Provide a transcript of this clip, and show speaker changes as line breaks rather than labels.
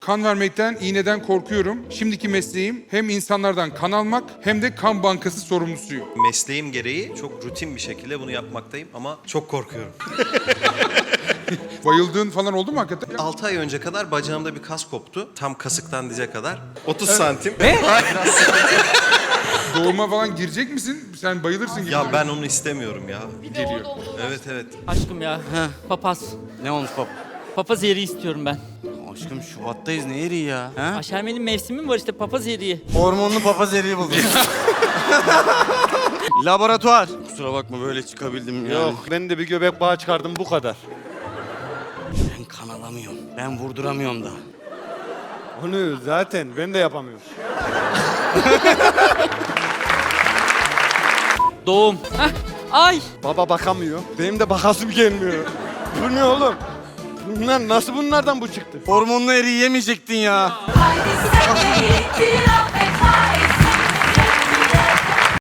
Kan vermekten, iğneden korkuyorum. Şimdiki mesleğim hem insanlardan kan almak hem de kan bankası sorumlusuyum.
Mesleğim gereği çok rutin bir şekilde bunu yapmaktayım ama çok korkuyorum.
Bayıldığın falan oldu mu hakikaten?
6 ay önce kadar bacağımda bir kas koptu. Tam kasıktan dize kadar. 30 santim.
Doğuma falan girecek misin? Sen bayılırsın gibi.
Ya ben onu istemiyorum ya.
geliyor.
Evet evet.
Aşkım ya. Papaz.
Ne olmuş bab?
Papaz eriği istiyorum ben.
Aşkım Şubat'tayız ne eriği ya? Ha?
Aşermenin mevsimi mi var işte papaz eriği.
Hormonlu papaz eriği buldum. Laboratuvar. Kusura bakma böyle çıkabildim yani.
Yok ben de bir göbek bağı çıkardım bu kadar.
Ben kan alamıyorum. Ben vurduramıyorum da.
Onu zaten ben de yapamıyorum.
Doğum. Heh. Ay.
Baba bakamıyor. Benim de bakasım gelmiyor. Bu ne oğlum? Bunlar nasıl bunlardan bu çıktı?
Hormonlu eriği yemeyecektin ya.
Haydi sen de